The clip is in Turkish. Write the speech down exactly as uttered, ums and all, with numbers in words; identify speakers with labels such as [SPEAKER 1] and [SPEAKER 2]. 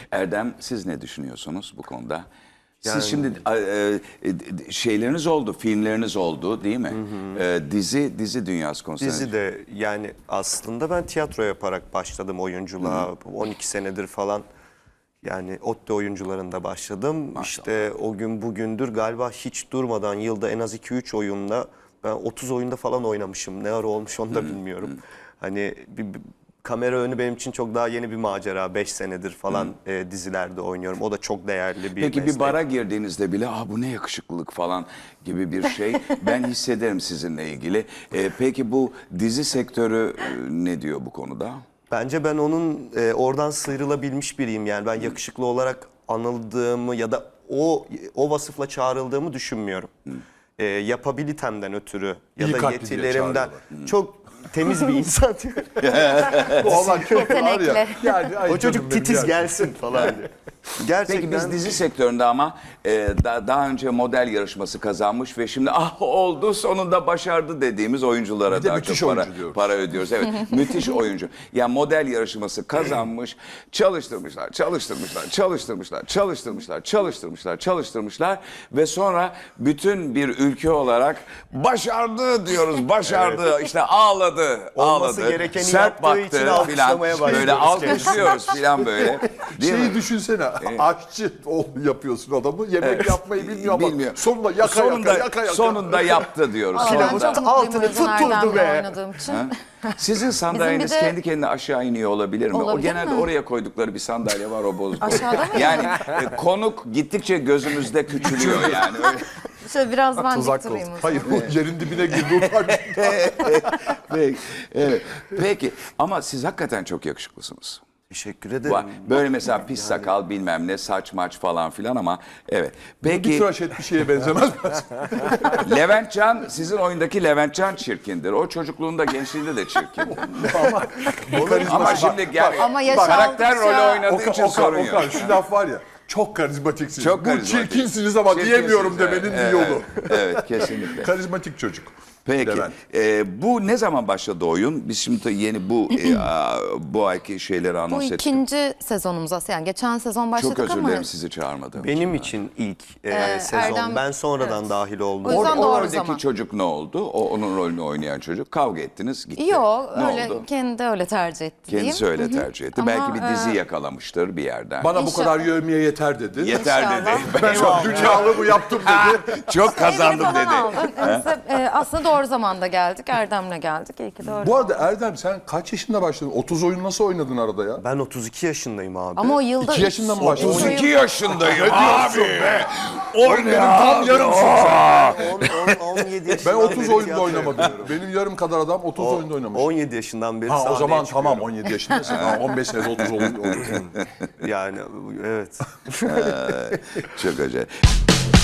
[SPEAKER 1] Erdem, siz ne düşünüyorsunuz bu konuda? Siz
[SPEAKER 2] Yani-
[SPEAKER 1] şimdi e, e, şeyleriniz oldu, filmleriniz oldu değil mi?
[SPEAKER 2] Hı hı.
[SPEAKER 1] E, dizi dizi dünyası konusunda.
[SPEAKER 2] Dizi de yani aslında ben tiyatro yaparak başladım oyunculuğa. Hı hı. on iki senedir falan. Yani ODTÜ oyuncularında başladım. Maşallah. İşte o gün bugündür galiba hiç durmadan yılda en az iki üç oyunda ben otuz oyunda falan oynamışım. Ne ara olmuş onu da bilmiyorum. Hani bir, bir kamera önü benim için çok daha yeni bir macera. beş senedir falan e, dizilerde oynuyorum. O da çok değerli bir
[SPEAKER 1] Peki
[SPEAKER 2] meslek.
[SPEAKER 1] bir bara girdiğinizde bile ah bu ne yakışıklılık falan gibi bir şey ben hissederim sizinle ilgili. E, peki bu dizi sektörü e, ne diyor bu konuda?
[SPEAKER 2] Bence ben onun e, oradan sıyrılabilmiş biriyim. Yani ben yakışıklı olarak anıldığımı ya da o o vasıfla çağrıldığımı düşünmüyorum. E, yapabilitemden ötürü ya
[SPEAKER 3] İyi
[SPEAKER 2] da
[SPEAKER 3] kalpli diye
[SPEAKER 2] yetilerimden
[SPEAKER 3] çağırıyorlar.
[SPEAKER 2] çok temiz bir insan.
[SPEAKER 3] Bu olan çok var ya.
[SPEAKER 4] Yetenekli.
[SPEAKER 3] Yani, ay
[SPEAKER 2] O çocuk
[SPEAKER 3] canım benim
[SPEAKER 2] titiz
[SPEAKER 3] yani.
[SPEAKER 2] gelsin falan diye. Gerçekten.
[SPEAKER 1] Peki biz dizi sektöründe ama e, da, daha önce model yarışması kazanmış ve şimdi ah oldu sonunda başardı dediğimiz oyunculara
[SPEAKER 3] Bir de
[SPEAKER 1] daha
[SPEAKER 3] müthiş
[SPEAKER 1] çok para,
[SPEAKER 3] oyuncu diyoruz.
[SPEAKER 1] para ödüyoruz. Evet, müthiş oyuncu. Yani model yarışması kazanmış, çalıştırmışlar, çalıştırmışlar, çalıştırmışlar, çalıştırmışlar, çalıştırmışlar, çalıştırmışlar ve sonra bütün bir ülke olarak başardı diyoruz, başardı, işte ağladı,
[SPEAKER 2] Olması
[SPEAKER 1] ağladı,
[SPEAKER 2] gerekeni
[SPEAKER 1] sert
[SPEAKER 2] yaptığı için
[SPEAKER 1] baktı filan,
[SPEAKER 2] alkışlamaya
[SPEAKER 1] böyle
[SPEAKER 2] başlıyoruz
[SPEAKER 1] alkışlıyoruz filan böyle. Değil
[SPEAKER 3] Şeyi
[SPEAKER 1] mi?
[SPEAKER 3] düşünsene, aşçı ol yapıyorsun adamı, yemek
[SPEAKER 1] Evet.
[SPEAKER 3] yapmayı bilmiyor ama
[SPEAKER 1] Bilmiyor.
[SPEAKER 3] sonunda yaka
[SPEAKER 1] sonunda,
[SPEAKER 3] yaka yaka yaka.
[SPEAKER 1] sonunda yaptı diyoruz.
[SPEAKER 4] Aa,
[SPEAKER 1] Sonunda.
[SPEAKER 4] ben çok
[SPEAKER 2] Altını
[SPEAKER 4] mutluyum Özcan
[SPEAKER 2] tutturdu
[SPEAKER 4] Erdem'le
[SPEAKER 2] be.
[SPEAKER 4] oynadığım için.
[SPEAKER 1] Sizin sandalyeniz
[SPEAKER 4] de-
[SPEAKER 1] kendi kendine aşağı iniyor olabilir mi? o
[SPEAKER 4] Olabilir
[SPEAKER 1] genelde
[SPEAKER 4] mi?
[SPEAKER 1] oraya koydukları bir sandalye var o bozdu.
[SPEAKER 4] Aşağıda mı?
[SPEAKER 1] Yani e, konuk gittikçe gözümüzde küçülüyor yani. Öyle.
[SPEAKER 4] Şöyle biraz ben dik
[SPEAKER 3] Tuzak
[SPEAKER 4] durayım
[SPEAKER 3] olsun.
[SPEAKER 4] o zaman.
[SPEAKER 3] Hayır, o yerin dibine girdi utanç.
[SPEAKER 1] Peki, evet. Peki ama siz hakikaten çok yakışıklısınız.
[SPEAKER 2] Teşekkür ederim.
[SPEAKER 1] Var. Böyle mesela pis sakal bilmem ne saç maç falan filan ama evet.
[SPEAKER 3] Bir
[SPEAKER 1] Peki
[SPEAKER 3] tıraş et bir şeye benzemez.
[SPEAKER 1] Levent Can sizin oyundaki Levent Can çirkindir. O çocukluğunda gençliğinde de çirkindir. Ama şimdi gel,
[SPEAKER 4] Ama yaş
[SPEAKER 1] karakter
[SPEAKER 4] aldıkça-
[SPEAKER 1] rolü oynadığı
[SPEAKER 3] Okan,
[SPEAKER 1] için
[SPEAKER 3] Okan,
[SPEAKER 1] sorun
[SPEAKER 3] Okan,
[SPEAKER 1] yok.
[SPEAKER 3] şu laf var ya. Çok karizmatiksiniz.
[SPEAKER 1] Çok
[SPEAKER 3] Bu
[SPEAKER 1] karizmatik.
[SPEAKER 3] çirkinsiniz ama
[SPEAKER 1] Çirkinsiniz,
[SPEAKER 3] diyemiyorum
[SPEAKER 1] evet.
[SPEAKER 3] demenin
[SPEAKER 1] Evet,
[SPEAKER 3] bir yolu.
[SPEAKER 1] Evet, kesinlikle.
[SPEAKER 3] Karizmatik çocuk.
[SPEAKER 1] Peki,
[SPEAKER 3] Levent.
[SPEAKER 1] e, bu ne zaman başladı oyun? Biz şimdi yeni bu e, a, bu ayki şeyleri
[SPEAKER 4] Bu
[SPEAKER 1] anons ettik.
[SPEAKER 4] ikinci sezonumuz aslında. Yani geçen sezon başladık
[SPEAKER 1] Çok özür
[SPEAKER 4] ama
[SPEAKER 1] dilerim sizi çağırmadım.
[SPEAKER 2] Benim için ilk e,
[SPEAKER 4] Ee,
[SPEAKER 2] sezon.
[SPEAKER 4] Erdem-
[SPEAKER 2] ben sonradan
[SPEAKER 4] evet.
[SPEAKER 2] dahil oldum.
[SPEAKER 4] O yüzden
[SPEAKER 1] o
[SPEAKER 4] doğru
[SPEAKER 1] roldeki
[SPEAKER 4] zaman.
[SPEAKER 1] çocuk ne oldu? O onun rolünü oynayan çocuk. Kavga ettiniz, gitti.
[SPEAKER 4] Yok
[SPEAKER 1] Ne
[SPEAKER 4] öyle
[SPEAKER 1] oldu?
[SPEAKER 4] kendi öyle tercih etti diyeyim.
[SPEAKER 1] Kendisi öyle tercih etti.
[SPEAKER 4] Ama,
[SPEAKER 1] Belki bir dizi
[SPEAKER 4] e,
[SPEAKER 1] yakalamıştır bir yerden.
[SPEAKER 3] Bana bu
[SPEAKER 4] İnşallah.
[SPEAKER 3] kadar yövmeye yeter dedi.
[SPEAKER 1] Yeter
[SPEAKER 4] İnşallah.
[SPEAKER 1] dedi.
[SPEAKER 3] Ben çok dünyalı bu yaptım dedi.
[SPEAKER 1] Çok
[SPEAKER 4] Evini
[SPEAKER 1] kazandım
[SPEAKER 4] falan
[SPEAKER 1] dedi.
[SPEAKER 4] aldım. Neyse, e, aslında doğru zamanda geldik. Erdem'le geldik. İyi ki doğru.
[SPEAKER 3] Bu arada Erdem sen kaç yaşında başladın? otuz oyun nasıl oynadın arada ya?
[SPEAKER 2] Ben otuz iki yaşındayım abi.
[SPEAKER 4] Ama o yılda...
[SPEAKER 3] İki yaşında mı başladın?
[SPEAKER 1] otuz iki yaşındayım abi.
[SPEAKER 3] Benim tam yarımsın sen.
[SPEAKER 2] on, on, on yedi
[SPEAKER 3] Ben
[SPEAKER 2] yaşından
[SPEAKER 3] otuz
[SPEAKER 2] beri
[SPEAKER 3] oyunda
[SPEAKER 2] tiyatro
[SPEAKER 3] oynamadım. Benim yarım kadar adam otuz
[SPEAKER 2] O-
[SPEAKER 3] oyunda oynamış.
[SPEAKER 2] on yedi yaşından beri
[SPEAKER 3] Ha o
[SPEAKER 2] sahneye
[SPEAKER 3] zaman
[SPEAKER 2] çıkıyorum.
[SPEAKER 3] tamam on yedi yaşındasın. Ha, on beş senede otuz olur.
[SPEAKER 2] Yani evet.
[SPEAKER 1] Çok acayip.